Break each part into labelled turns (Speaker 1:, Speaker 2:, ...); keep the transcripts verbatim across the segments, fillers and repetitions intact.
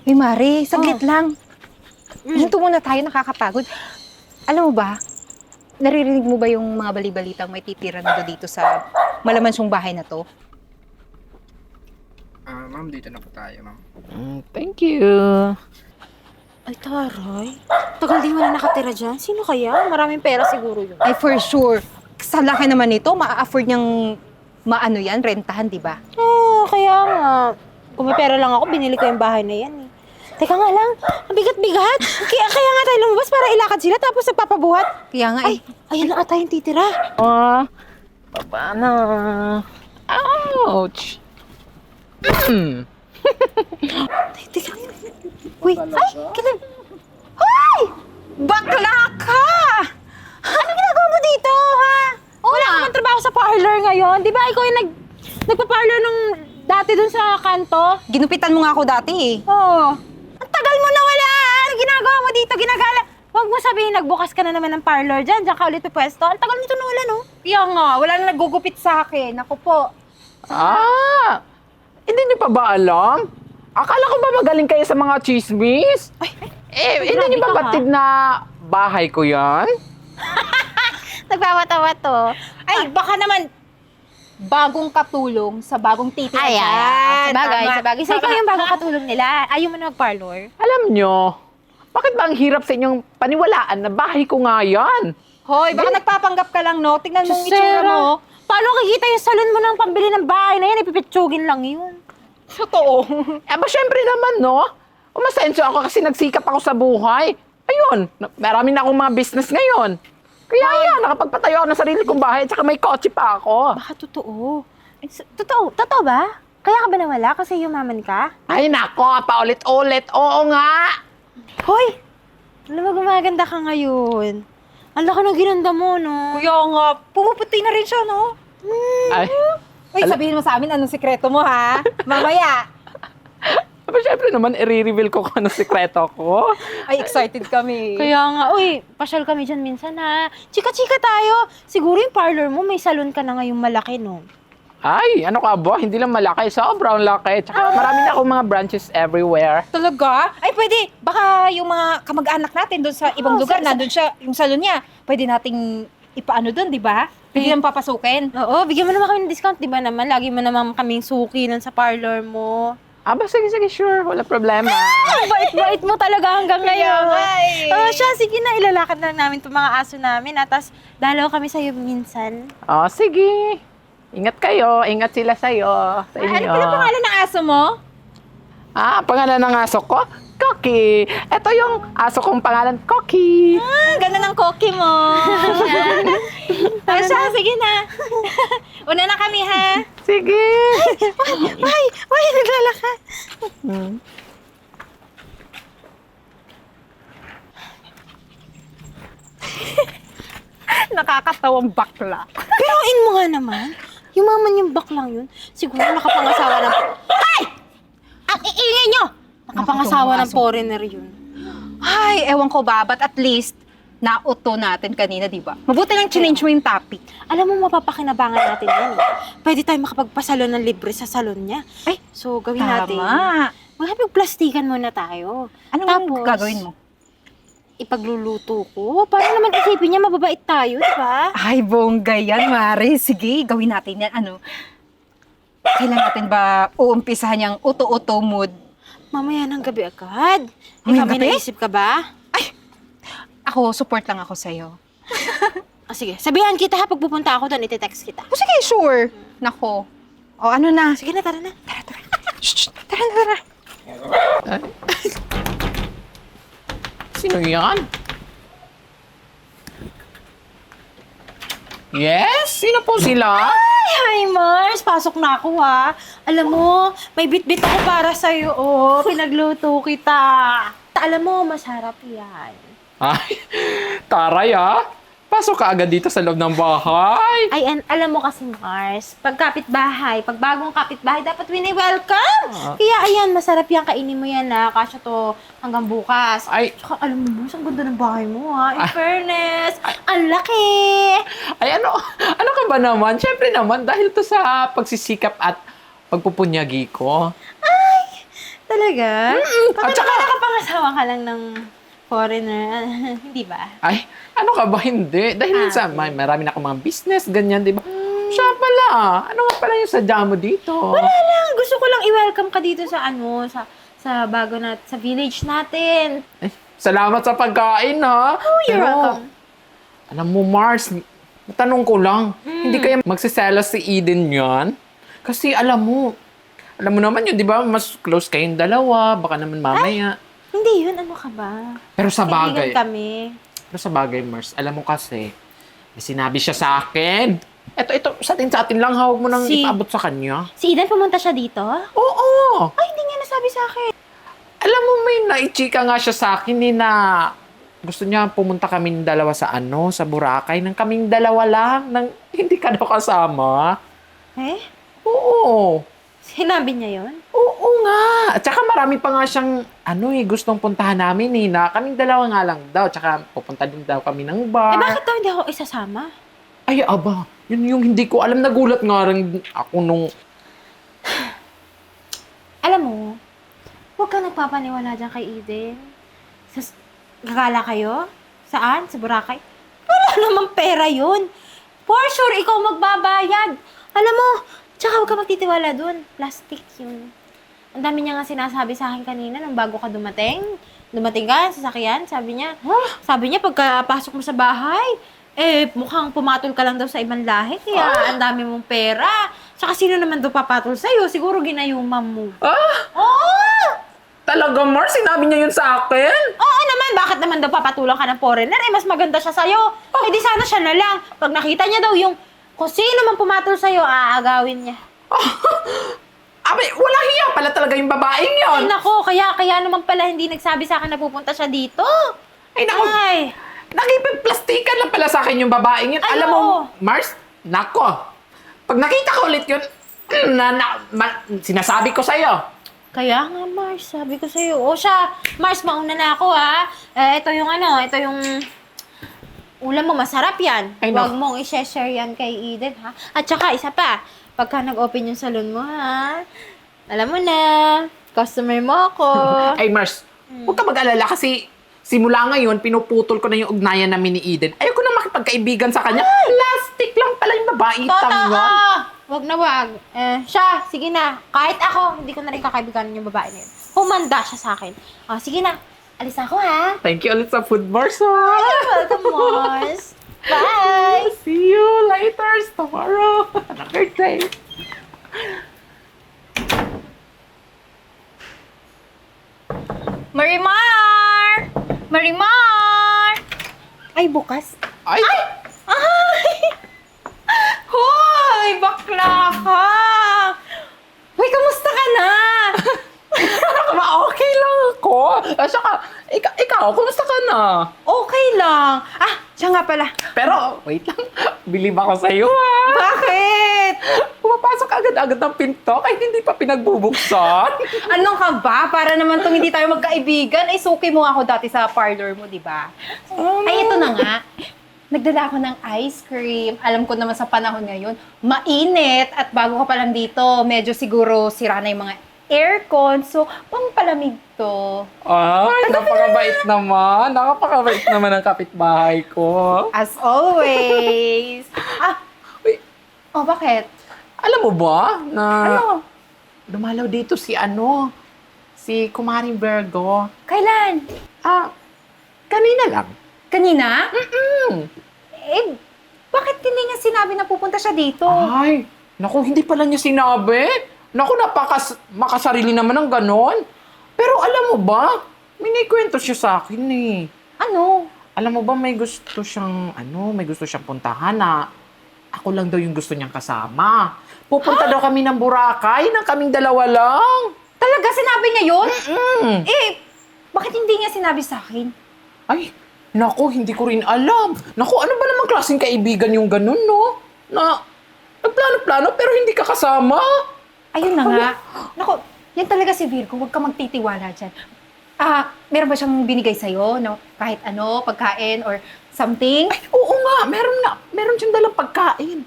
Speaker 1: Uy, Mare, saglit
Speaker 2: Oh.
Speaker 1: lang.
Speaker 2: Mm.
Speaker 1: Hinto muna tayo, nakakapagod. Alam mo ba, naririnig mo ba yung mga bali-balitang may titira na dito sa malamansong bahay na to?
Speaker 3: Ah, ma'am, dito na po tayo, ma'am.
Speaker 4: Mm, thank you.
Speaker 2: Ay, taray. Tagal din wala nakatira dyan. Sino kaya? Maraming pera siguro yun.
Speaker 1: Ay, for sure. Sa laki naman nito, maa-afford niyang maano yan, rentahan, di ba?
Speaker 2: Oo, kaya nga. Kung may pera lang ako, binili ko yung bahay na yan eh. Teka nga lang, ang bigat-bigat. Kaya, kaya nga tayo lumabas para ilakad sila tapos nagpapabuhat.
Speaker 1: Kaya nga
Speaker 2: Ay,
Speaker 1: eh.
Speaker 2: ayan lang ata yung titira.
Speaker 4: Ah, baba na. Ouch. Hmm.
Speaker 2: Ay, teka. Uy, ay, kilim. Hoy!
Speaker 1: Bakla ka!
Speaker 2: Ano ginagawa mo dito, ha? Wala ka bang trabaho sa parlor ngayon? Di ba ikaw yung nag, nagpa-parlor nung dati dun sa kanto?
Speaker 1: Ginupitan mo nga ako dati eh.
Speaker 2: Oo. Ang tagal mo na wala! Ano ginagawa mo dito? Ginagala... Huwag mo sabihin nagbukas ka na naman ng parlor dyan. Diyan ka ulit pwesto. Ang tagal nito na wala, no?
Speaker 1: Kaya nga, wala na nagugupit sa akin. Ako po.
Speaker 4: Ah, hindi niyo pa ba alam? Akala ko ba magaling kayo sa mga chismis?
Speaker 2: Ay,
Speaker 4: Eh,
Speaker 2: Ay,
Speaker 4: hindi
Speaker 2: grabe
Speaker 4: niyo ba
Speaker 2: ka, ha?
Speaker 4: batid na bahay ko yan?
Speaker 2: nagpapatawa to.
Speaker 1: Ay, baka naman bagong katulong sa bagong titira.
Speaker 2: Ayan. Sabagay,
Speaker 1: Tama.
Speaker 2: sabagay. So, ikaw yung bagong katulong nila. Ayaw mo na mag-parlor?
Speaker 4: Alam nyo, bakit ba ang hirap sa inyong paniwalaan na bahay ko nga yan?
Speaker 1: Hoy, baka nagpapanggap ka lang, no? Tingnan mo yung
Speaker 2: Diyos,
Speaker 1: itsura
Speaker 2: Sarah.
Speaker 1: mo.
Speaker 2: Paano kikita yung salon mo ng pambili ng bahay na yan? Ipipitsugin lang yun.
Speaker 1: Totoo.
Speaker 4: Eh ba syempre naman, no? Umasensyo ako kasi nagsikap ako sa buhay. Ayun, na- marami na akong mga business ngayon. Kaya yan, nakapagpatayo ako ng sarili kong bahay at saka may kotse pa ako.
Speaker 2: Baka totoo. Eh, s- Totoo? Totoo ba? Kaya ka ba nawala? Kasi yumaman ka?
Speaker 4: Ay nako, paulit-ulit. Oo nga.
Speaker 2: Hoy! Alam mo, gumaganda ka ngayon. Ang laki ng ginanda mo, no?
Speaker 1: Kuya nga, pumuputi na rin siya, no?
Speaker 4: Ay,
Speaker 1: Uy, sabihin mo sa amin anong sikreto mo, ha? Mamaya.
Speaker 4: aba syempre naman, i-reveal ko kung anong sikreto ko.
Speaker 1: Ay, excited kami.
Speaker 2: Kaya nga, uy, pasyal kami dyan minsan, ha? Chika-chika tayo. Siguro yung parlor mo, may salon ka na ngayong malaki, no?
Speaker 4: Ay, ano ka ba? Hindi lang malaki, sobrang laki. Tsaka marami na akong mga branches everywhere.
Speaker 1: Talaga? Ay, pwede. Baka yung mga kamag-anak natin doon sa ibang
Speaker 2: Oo,
Speaker 1: lugar,
Speaker 2: sa- sa-
Speaker 1: nandun siya, yung salon niya, pwede nating ipaano doon, di ba? Pwede
Speaker 2: Eh.
Speaker 1: nang papasukin.
Speaker 2: Oo, bigyan mo naman kami ng discount, di ba naman? Lagi mo naman kaming suki nun sa parlor mo.
Speaker 4: Aba, sige, sige, sure. Wala problema.
Speaker 2: Ang bait-bait mo talaga hanggang ngayon.
Speaker 1: nga eh.
Speaker 2: Oo, siya, sige na, ilalakad na namin itong mga aso namin. At tas, dalaw kami sa'yo minsan.
Speaker 4: Oh, sige. Ingat kayo. Ingat sila sa'yo. Sa
Speaker 1: Ano
Speaker 4: inyo.
Speaker 1: pala pangalan ng aso mo?
Speaker 4: Ah, pangalan ng aso ko? Cocky. Ito yung aso kong pangalan, Cocky.
Speaker 1: Ah, ganda ng koki mo. Ah, siya, sige na. Una na kami, ha?
Speaker 4: Sige.
Speaker 2: Ay, ay, naglalakad.
Speaker 4: Hmm.
Speaker 1: Nakakatawang bakla.
Speaker 2: Pero in mo nga naman, yung maman yung baklang yun, siguro nakapangasawa ng... Ay! Ang iingay nyo! Nakapangasawa ng foreigner yun.
Speaker 1: Ay, ewan ko ba, but at least, nauto natin kanina, di ba? Mabuti lang change mo yung topic.
Speaker 2: Alam mo, mapapakinabangan natin yan eh. Pwede tayo makapagpasalon ng libre sa salon niya.
Speaker 1: Ay,
Speaker 2: So, gawin natin.
Speaker 1: tama.
Speaker 2: Magpagplastikan muna tayo.
Speaker 1: Anong
Speaker 2: Tapos,
Speaker 1: gagawin mo?
Speaker 2: Ipagluluto ko. Para naman isipin niya, mababait tayo, di ba?
Speaker 1: Ay, bongga yan, Mare. Sige, gawin natin yan. Ano? Kailan natin ba uumpisahan yung uto-uto mood?
Speaker 2: Mamaya ng gabi agad.
Speaker 1: Mamayang
Speaker 2: Ikaw, may
Speaker 1: gabi?
Speaker 2: naisip ka ba?
Speaker 1: Ako, support lang ako sa'yo.
Speaker 2: Ah, sige, sabihan kita ha, pag pupunta ako doon, iti-text kita.
Speaker 1: O sige, sure. Nako. O ano na?
Speaker 2: Sige na, tara na.
Speaker 1: Shh, shh, tara na, tara.
Speaker 4: Sino yan? Yes? Sino po sila?
Speaker 2: Hi, Mars! Pasok na ako, ha. Alam mo, may bit-bit ako para sa'yo, oh. Pinagluto kita. Alam mo, masarap yan.
Speaker 4: Ay, taray ah. Pasok ka agad dito sa loob ng bahay.
Speaker 2: Ay, and alam mo kasi, Mars, pag kapitbahay, pag bagong kapitbahay, dapat wini-welcome.
Speaker 4: Ah.
Speaker 2: Kaya, ayan, masarap yan. Kainin mo yan, ha. Kasya to hanggang bukas.
Speaker 4: Ay,
Speaker 2: Tsaka, alam mo, Mars, ang ganda ng bahay mo, ha. In
Speaker 4: Ay.
Speaker 2: fairness, ang laki.
Speaker 4: ay ano, ano ka ba naman? Siyempre naman, dahil to sa pagsisikap at pagpupunyagi ko.
Speaker 2: Talaga?
Speaker 4: At
Speaker 2: Bakit
Speaker 4: saka-
Speaker 2: naman nakapangasawa ka lang ng foreigner? Hindi ba?
Speaker 4: Ay, ano ka ba? Hindi. Dahil
Speaker 2: Ah,
Speaker 4: minsan, may marami na akong mga business, ganyan, di ba? Siya pala. Ano nga pala yung sadya mo dito?
Speaker 2: Wala lang. Gusto ko lang i-welcome ka dito sa ano, sa sa bago na, sa village natin.
Speaker 4: Ay, salamat sa pagkain, ha?
Speaker 2: Oh, you're
Speaker 4: Pero,
Speaker 2: welcome.
Speaker 4: alam mo, Mars, tanong ko lang, hindi kaya magsiselos si Eden yan? Kasi alam mo, alam mo naman yun, di ba? Mas close kayong dalawa, baka naman mamaya.
Speaker 2: Hindi yun. Ano ka ba?
Speaker 4: Pero sa bagay,
Speaker 2: Kaibigan kami.
Speaker 4: pero sa bagay, Mars, alam mo kasi, may sinabi siya sa akin. Eto, ito, sa atin, sa atin lang, hawag mo nang
Speaker 2: Si-
Speaker 4: ipaabot sa kanya.
Speaker 2: Si Eden pumunta siya dito?
Speaker 4: Oo!
Speaker 2: Ay, hindi niya nasabi sa akin.
Speaker 4: Alam mo, may naichika nga siya sa akin eh, na gusto niya pumunta kaming dalawa sa ano, sa Boracay, nang kaming dalawa lang, nang hindi ka daw kasama.
Speaker 2: Eh?
Speaker 4: Oo.
Speaker 2: Sinabi niya yun?
Speaker 4: Oo nga. At saka marami pa nga siyang, ano eh, gustong puntahan namin eh, na kaming dalawa nga lang daw. Tsaka pupunta din daw kami ng bar.
Speaker 2: Eh, bakit daw hindi ako isasama?
Speaker 4: Ay, aba, yun yung hindi ko alam. Nagulat nga rin ako nung,
Speaker 2: Alam mo, huwag ka nagpapaniwala dyan kay Eden. Sa, gagala kayo? Saan? Sa Boracay? Wala namang pera yun. For sure, ikaw magbabayad. Alam mo, tsaka huwag ka magtitiwala dun. Plastic yun. Ang dami niya nga sinasabi sa akin kanina nung bago ka dumating. Dumating ka, sasakyan, sabi niya. Sabi niya, pagkapasok mo sa bahay, eh, mukhang pumatol ka lang daw sa ibang lahi, kaya ang dami mong pera. Tsaka sino naman daw papatol sa'yo? Siguro ginayuman mo.
Speaker 4: ah,
Speaker 2: Oo!
Speaker 4: talaga, Mars, sinabi niya yun sa akin?
Speaker 2: Oo naman, bakit naman daw papatulang ka ng foreigner? Eh, mas maganda siya sa'yo. Eh, di sana siya na lang. Pag nakita niya daw yung kung sino man pumatol sa'yo, aagawin niya.
Speaker 4: Abi, wala hiya pala talaga yung babaeng yon.
Speaker 2: Ay, nako, kaya, kaya naman pala hindi nagsabi sa akin na pupunta siya dito.
Speaker 4: Ay, naku.
Speaker 2: Ay,
Speaker 4: Nakipagplastikan lang pala sa akin yung babaeng yun.
Speaker 2: Ay,
Speaker 4: Alam mo,
Speaker 2: oo.
Speaker 4: Mars, nako. Pag nakita ko ulit yun, na, na, ma- sinasabi ko sa'yo.
Speaker 2: kaya nga, Mars, sabi ko sa'yo. O siya, Mars, mauna na ako, ha? Eh, ito yung ano, ito yung ulam mo, masarap yan.
Speaker 4: Ay,
Speaker 2: Huwag
Speaker 4: naku.
Speaker 2: mong i-share yan kay Eden, ha? At saka, isa pa, pagka nag-open yung salon mo, ha? Alam mo na, customer mo ako.
Speaker 4: Ay, Mars, huwag ka mag-alala kasi simula ngayon, pinuputol ko na yung ugnayan namin ni Eden. Ayoko na makipagkaibigan sa kanya. Plastic lang pala yung babaitang
Speaker 2: Totoo!
Speaker 4: yun.
Speaker 2: Wag na wag. Eh, siya, sige na. Kahit ako, hindi ko na rin kakaibiganin yung babae na yun. Humanda siya sa akin. Oh, sige na. Alis ako, ha?
Speaker 4: Thank you ulit sa food, Mars. ha?
Speaker 2: Welcome, Mars. Bye!
Speaker 4: See you later tomorrow. Another day.
Speaker 1: Marimar! Marimar!
Speaker 2: Ay, bukas.
Speaker 4: Ay!
Speaker 1: Ay! Hoy! Bakla ka! Hoy, kamusta ka na?
Speaker 4: Ma, okay lang ako. At saka, ikaw, ikaw, kumusta ka na?
Speaker 1: Okay lang. Ah, siya nga pala.
Speaker 4: Pero, wait lang. Bilib ako sa'yo, ha?
Speaker 1: Bakit?
Speaker 4: Pumapasok agad-agad ng pinto kahit hindi pa pinagbubuksan.
Speaker 1: Anong ka ba? Para naman tong hindi tayo magkaibigan. Ay, suki mo ako dati sa parlor mo, di ba? Ay, ito na nga. Nagdala ako ng ice cream. Alam ko naman sa panahon ngayon, mainit. At bago ka pa lang dito, medyo siguro sira na yung mga aircon. So, pampalamig to.
Speaker 4: Ay, napakabait naman. Nakapakabait naman ang kapitbahay ko.
Speaker 1: As always. ah,
Speaker 4: Uy,
Speaker 1: oh, bakit?
Speaker 4: alam mo ba na
Speaker 1: Ano?
Speaker 4: dumalaw dito si ano, si Kumaring Virgo.
Speaker 1: Kailan?
Speaker 4: Ah, kanina lang.
Speaker 1: Kanina?
Speaker 4: Mm.
Speaker 1: Eh, bakit hindi niya sinabi na pupunta siya dito?
Speaker 4: Ay, naku, hindi pala niya sinabi. Naku, napakas makasarili naman ng ganon. Pero alam mo ba, may naikwento siya sa akin eh.
Speaker 1: Ano?
Speaker 4: Alam mo ba, may gusto siyang, ano, may gusto siyang puntahan na ako lang daw yung gusto niyang kasama. Pupunta daw kami ng Boracay, nang kaming dalawa lang.
Speaker 1: Talaga sinabi niya yun?
Speaker 4: Mm.
Speaker 1: Eh, bakit hindi niya sinabi sa akin?
Speaker 4: Ay, naku, hindi ko rin alam. Naku, ano ba namang klaseng kaibigan yung ganun, no? Na, nagplano-plano pero hindi ka kasama.
Speaker 1: Ayun na nga. Naku, yan talaga si Virgo. Huwag ka magtitiwala dyan. Ah, meron ba siyang binigay sa'yo? No? Kahit ano, pagkain or something?
Speaker 4: Ay, oo nga, meron na. Meron siyang dalang pagkain.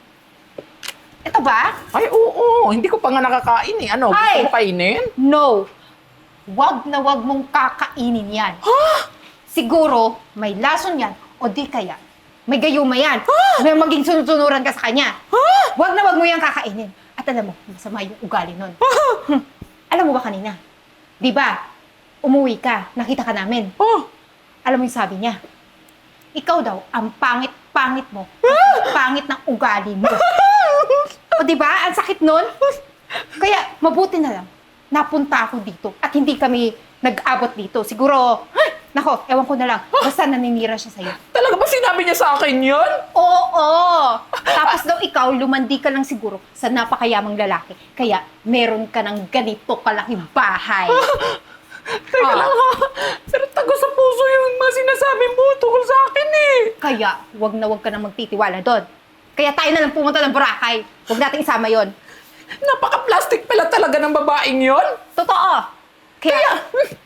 Speaker 1: Ito ba?
Speaker 4: Ay, oo, hindi ko pa nga nakakain eh. Ano, gusto
Speaker 1: Ay!
Speaker 4: mo kainin?
Speaker 1: No. wag na wag mong kakainin yan. Siguro, may lason yan, o di kaya, may gayuma yan. May maging sunod-sunuran ka sa kanya. Wag na wag mo yan kakainin. At alam mo, masama yung ugali nun. Hmm. Alam mo ba kanina? Di ba, umuwi ka, nakita ka namin.
Speaker 4: Oh,
Speaker 1: Alam mo yung sabi niya, ikaw daw, ang pangit-pangit mo, ang pangit ng ugali mo. O di ba, ang sakit nun? Kaya, mabuti na lang, napunta ako dito at hindi kami nag-abot dito. Siguro, ay, nako, ewan ko na lang, basta naninira siya sa'yo.
Speaker 4: talaga ba sinabi niya sa akin yun?
Speaker 1: Oo, oo. Tapos daw ikaw, lumandi ka lang siguro sa napakayamang lalaki. Kaya, meron ka ng ganito kalaking bahay.
Speaker 4: Teka
Speaker 1: Ah.
Speaker 4: lang ha. Pero tago sa puso yung mga sinasabi mo tungkol sa akin eh.
Speaker 1: Kaya, wag na wag ka nang magtitiwala doon. Kaya tayo na lang pumunta ng Boracay. Huwag natin isama yon.
Speaker 4: Napaka-plastic pala talaga ng babaeng yon.
Speaker 1: Totoo. Kaya,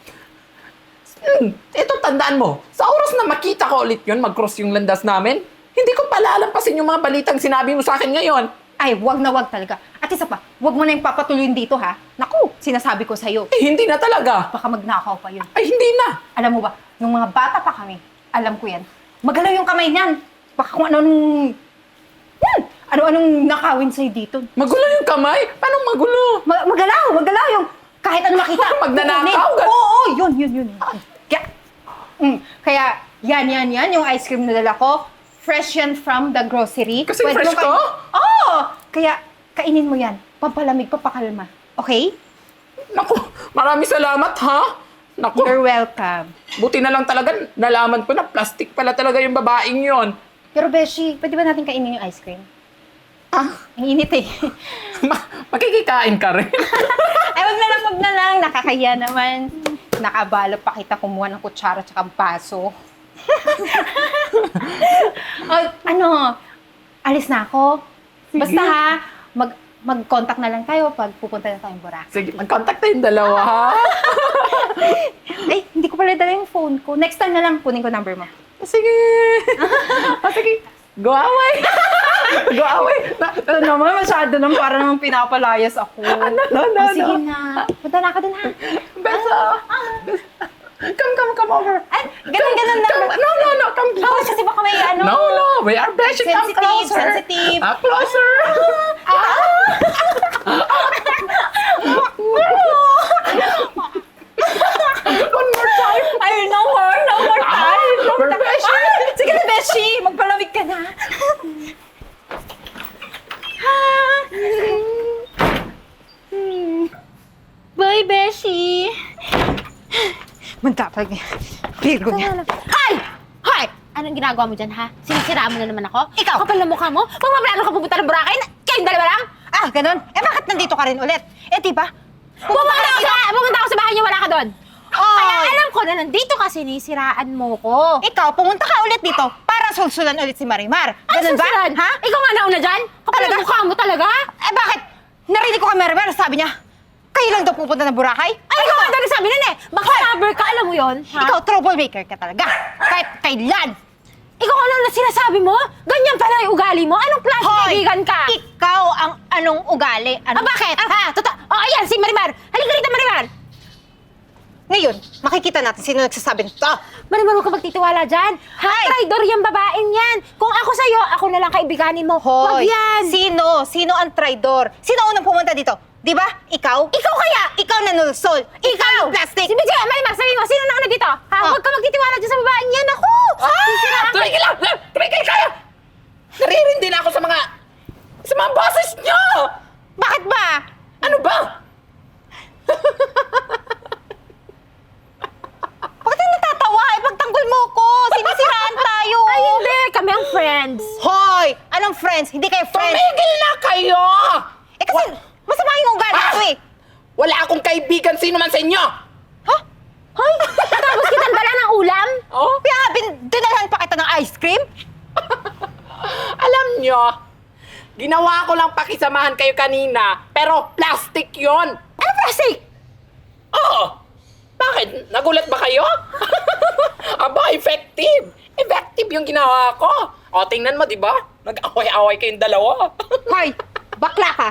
Speaker 4: Hmm, ito tandaan mo, sa oras na makita ko ulit yun, mag-cross yung landas namin, hindi ko palalampasin yung mga balitang sinabi mo sa akin ngayon.
Speaker 1: ay, wag na wag talaga. At isa pa, wag mo na yung papatuloyin dito, ha? Naku, sinasabi ko sa'yo.
Speaker 4: Eh, hindi na talaga.
Speaker 1: Baka magnakaw pa yun.
Speaker 4: Ay, hindi na.
Speaker 1: Alam mo ba, nung mga bata pa kami, alam ko yan, magalaw yung kamay niyan. Baka kung ano-anong... Yan! Ano-anong nakawin sa'yo dito.
Speaker 4: Magulo yung kamay? Paano magulo?
Speaker 1: Ma- magalaw! Magalaw yung kahit ano makita.
Speaker 4: Pag nanakaw,
Speaker 1: kukunin.
Speaker 4: gan-
Speaker 1: Oo, oo, yun, yun, yun. Kaya, mm, kaya, yan, yan, yan, yung ice cream na dala ko, fresh yan from the grocery.
Speaker 4: Kasi
Speaker 1: Pwede
Speaker 4: fresh
Speaker 1: mo kain-
Speaker 4: to?
Speaker 1: Oo! Kaya, kainin mo yan. Pampalamig, pampakalma. Okay?
Speaker 4: Naku, maraming salamat ha. Naku,
Speaker 1: You're welcome.
Speaker 4: buti na lang talaga nalaman ko na plastic pala talaga yung babaeng yon.
Speaker 1: Pero Beshi, pwede ba natin kainin yung ice cream?
Speaker 4: Ah,
Speaker 1: Ang init eh.
Speaker 4: ma- makikikain ka rin.
Speaker 1: Ay, wag na lang, wag na lang. Nakakaya naman. Nakabala pa kita kumuha ng kutsara tsaka baso. Oh, ano, alis na ako. Basta ha, mag, mag-contact na lang tayo pag pupunta na tayong Boracay.
Speaker 4: Sige, mag-contact tayong dalawa ha.
Speaker 1: Ay, hindi ko pala dala yung phone ko. Next time na lang, kunin ko number mo.
Speaker 4: Sige. Ah, sige. Go away. Go away. Na,
Speaker 1: Ito naman, masyado naman, para naman pinapalayas ako.
Speaker 4: no, no, no,
Speaker 1: Oh, sige
Speaker 4: no.
Speaker 1: na. Punta na ka dun ha.
Speaker 4: Beso. Come, come, come over.
Speaker 1: Ay, ganun, ganun na.
Speaker 4: Come, no, no, no, come
Speaker 1: Oh,
Speaker 4: closer.
Speaker 1: kasi baka may ano.
Speaker 4: No, no, we are beshi. Come
Speaker 1: Sensitive,
Speaker 4: closer.
Speaker 1: sensitive.
Speaker 4: Ah, closer. One more time.
Speaker 1: Ay, no more, no more time. No
Speaker 4: we're
Speaker 1: time.
Speaker 4: Beshi.
Speaker 1: Ay, sige na, Beshi. Magpalamig ka na.
Speaker 2: Bye, Beshi!
Speaker 1: Magkapag. Virgo niya.
Speaker 2: Hi! Hi! Anong ginagawa mo dyan, ha? Sinisiraan mo na naman ako? Ikaw! Kapal na mukha mo? Magpaplano ka pupunta ng Boracay? Na- Kayong dalawa lang?
Speaker 1: Ah, ganun. Eh, bakit nandito ka rin ulit? Eh, di ba?
Speaker 2: Pumunta ako sa, pumunta ako sa bahay niyo, wala ka doon.
Speaker 1: Oy!
Speaker 2: Kaya alam ko na nandito ka, sinisiraan mo ko.
Speaker 1: Ikaw, pumunta ka ulit dito para sulsulan ulit si Marimar.
Speaker 2: Ano
Speaker 1: Ganun ba?
Speaker 2: susunod?
Speaker 1: Ha?
Speaker 2: Ikaw nga nauna dyan? Kapal
Speaker 1: Talaga?
Speaker 2: na mukha mo talaga?
Speaker 1: Eh, bakit? Narinig ko kay Marimar, sabi niya, kayo lang daw pupunta ng Boracay?
Speaker 2: Ay, ikaw nga nagsabi nun eh. Baka lover ka, alam mo yon, ha?
Speaker 1: Ikaw, troublemaker ka talaga. Kahit kailan.
Speaker 2: Ikaw ano na sinasabi mo? Ganyan pala yung ugali mo? Anong klase kaibigan ka?
Speaker 1: Ikaw ang anong ugali.
Speaker 2: Ah,
Speaker 1: Ano?
Speaker 2: bakit? Ha? Tota oh, ayan, si Marimar. Halika rito, Marimar.
Speaker 1: Ngayon, makikita natin sino nagsasabi nito.
Speaker 2: Marimar, huwag ka magtitiwala dyan. Ha? Traidor yung babaeng yan. Kung ako sa'yo, ako na lang kaibiganin mo. Huwag
Speaker 1: Hoy,
Speaker 2: yan.
Speaker 1: sino? Sino ang traidor? Sino unang pumunta dito? Di ba? Ikaw?
Speaker 2: Ikaw kaya?
Speaker 1: Ikaw na nulsol. Ikaw yung plastic.
Speaker 2: Si B J, Marimar, sabi mo, sino nauna dito? Ha?
Speaker 1: Ah.
Speaker 2: Huwag ka magtitiwala dyan sa babaeng yan. Ako! Sisiraan ka.
Speaker 4: Tumigil lang! Tumigil kayo! Naririndi na ako sa mga... sa mga boses niyo!
Speaker 1: Bakit ba?
Speaker 4: Ano ba?
Speaker 1: Bakit yung natatawa? Ipagtanggol mo ko. Sinisiraan tayo.
Speaker 2: Ay, hindi. Kami ang friends.
Speaker 1: Hoy! Anong friends? Hindi kayo friends.
Speaker 4: Tumigil na kayo!
Speaker 1: Eh kasi, masama yung ugali
Speaker 4: Ah!
Speaker 1: ko eh.
Speaker 4: Wala akong kaibigan sino man sa inyo!
Speaker 1: Ha?
Speaker 2: Hoy, tapos kitang dala ng ulam?
Speaker 4: Oh?
Speaker 1: Kaya nga, bin- dinalhan pa kita ng ice cream?
Speaker 4: Alam nyo, ginawa ko lang pakisamahan kayo kanina, pero plastic yon.
Speaker 2: Ano plastic?
Speaker 4: Oo! Bakit? Nagulat ba kayo? Aba, effective! Effective yung ginawa ko! O, tingnan mo, di ba? Nag-away-away kayong dalawa.
Speaker 1: Hoy, bakla ka.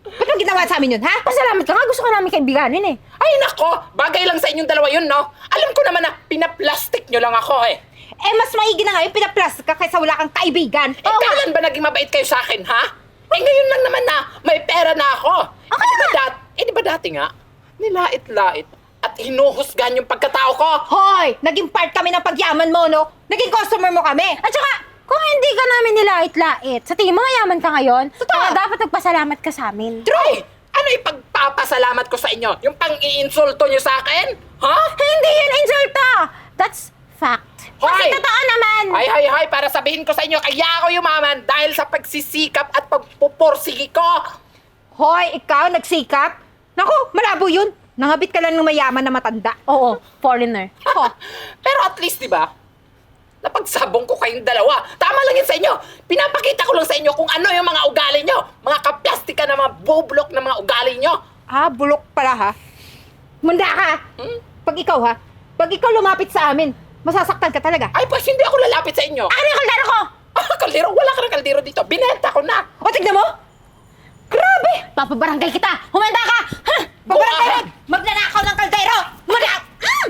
Speaker 1: Ba't mo ginawa sa amin yun, ha?
Speaker 2: Pasalamat ka nga, gusto ka namin kaibiganin eh.
Speaker 4: Ay nako, bagay lang sa inyong dalawa yun, no? Alam ko naman na pinaplastic nyo lang ako eh.
Speaker 1: Eh, mas maigi na nga yung pinaplastic ka kaysa wala kang kaibigan.
Speaker 4: Eh, kailan ba naging mabait kayo sa akin, ha? Eh, ngayon lang naman na may pera na ako. Eh, di ba, dat eh, di ba dati nga, nilait-lait at hinuhusgan yung pagkatao ko?
Speaker 1: Hoy! Naging part kami ng pagyaman mo, no? Naging customer mo kami.
Speaker 2: At saka, kung hindi ka namin nilait-lait, sa tingin mo mayaman ka ngayon,
Speaker 1: Totoo.
Speaker 2: kaya dapat nagpasalamat ka sa amin.
Speaker 4: True! Ano yung pagpapasalamat ko sa inyo? Yung pang-iinsulto nyo sa akin? Ha?
Speaker 2: Hindi yun insulta! That's fact. Kasi
Speaker 4: Hoy!
Speaker 2: totoo naman!
Speaker 4: Ay, ay, ay, para sabihin ko sa inyo, kaya ako yumaman dahil sa pagsisikap at pagpupursigi ko.
Speaker 1: Hoy, ikaw, nagsikap? Naku, malabo yun. Nangabit ka lang ng mayaman na matanda.
Speaker 2: Oo, foreigner.
Speaker 1: Ho,
Speaker 4: Pero at least, di ba, napagsabong ko kayong dalawa. Tama lang yun sa inyo. Pinapakita ko lang sa inyo kung ano yung mga ugali nyo. Mga kaplastika na mga bublok na mga ugali nyo.
Speaker 1: ah, bulok pala, ha? Manda ka!
Speaker 4: Hmm?
Speaker 1: Pag ikaw, ha? Pag ikaw lumapit sa amin, masasaktan ka talaga.
Speaker 4: Ay, pues hindi ako lalapit sa inyo.
Speaker 2: Ano yung kaldero ko?
Speaker 4: Ah, kaldero? Wala ka ng kaldero dito. Binenta ko na.
Speaker 1: O, tignan mo! Grabe!
Speaker 2: Papabarangay kita! Humanda ka! Ha?
Speaker 4: Go
Speaker 1: Pabarangay!
Speaker 4: ahead.
Speaker 1: Magnanakaw ng kaldero! Manda! Mm!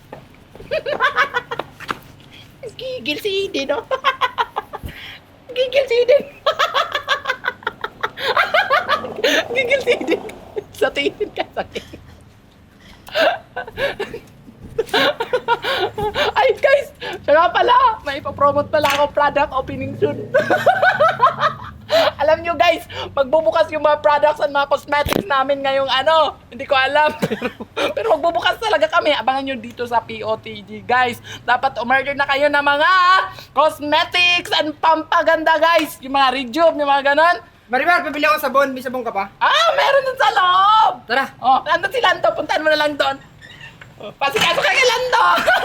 Speaker 4: Gigil si Eden, no? Gigil si Eden. Gigil si Eden. Sa tingin ka sa tingin. Ay, guys! Siya nga pala! May ipapromote pala ako product opening soon. Alam nyo guys, magbubukas yung mga products at mga cosmetics namin ngayong ano, hindi ko alam. Pero, pero magbubukas talaga kami. Abangan nyo dito sa P O T G guys. Dapat umorder na kayo ng mga cosmetics and pampaganda guys. Yung mga rejuve, yung mga ganon.
Speaker 3: Marimar, pabili ako sabon. May sabon ka pa?
Speaker 4: Ah, meron dun sa loob!
Speaker 3: Tara.
Speaker 4: Oh, nandun si Lando. Puntahan mo na lang doon. Oh, pasikaso ka kay Lando!